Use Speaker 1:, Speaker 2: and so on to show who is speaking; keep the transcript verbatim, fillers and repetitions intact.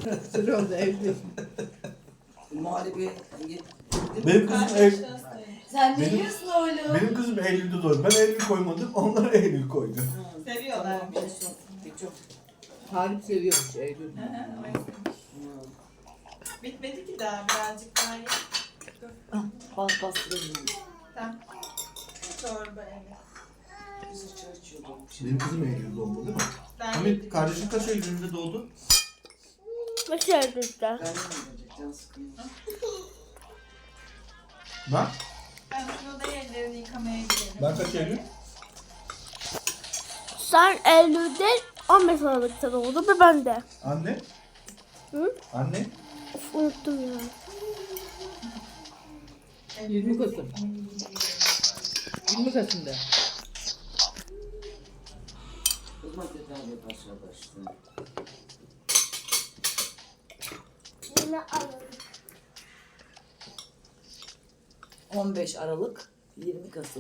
Speaker 1: Sıra oldu evde.
Speaker 2: Muhallebi
Speaker 3: Benim kızım ev,
Speaker 4: Sen ne
Speaker 3: Benim-
Speaker 4: yiyorsun oğlum?
Speaker 3: benim kızım Eylül'de doğdu. Ben Eylül koymadım, onlar Eylül koydu.
Speaker 5: Seviyorlar.
Speaker 2: Çok.
Speaker 1: Talip seviyormuş Eylül.
Speaker 5: Bitmedi ki daha birazcık daha ye.
Speaker 4: Bas bastırayım.
Speaker 5: Tamam. Çorba evet.
Speaker 2: Bizi çay içiyordum.
Speaker 3: Benim kızım Eylül'de doğdu değil mi?
Speaker 5: Ben
Speaker 3: Hamit, kardeşin kaç Eylül'de doğdu?
Speaker 6: Nasıl yapacağız?
Speaker 2: Ben de can sıkıyor.
Speaker 3: Ben?
Speaker 5: Ben şunu da ellerini yıkamaya gidelim.
Speaker 3: Ben kaç Eylül?
Speaker 6: Sen Eylül'de on beş Aralık'ta doğdun ve ben de.
Speaker 3: Anne?
Speaker 6: Hı?
Speaker 3: Anne?
Speaker 6: Of, unuttum ya.
Speaker 1: yirmi Kasım. yirmi Kasım'da.
Speaker 2: Kızma tedavi başladı işte.
Speaker 6: Yine alalım.
Speaker 4: on beş Aralık yirmi Kasım.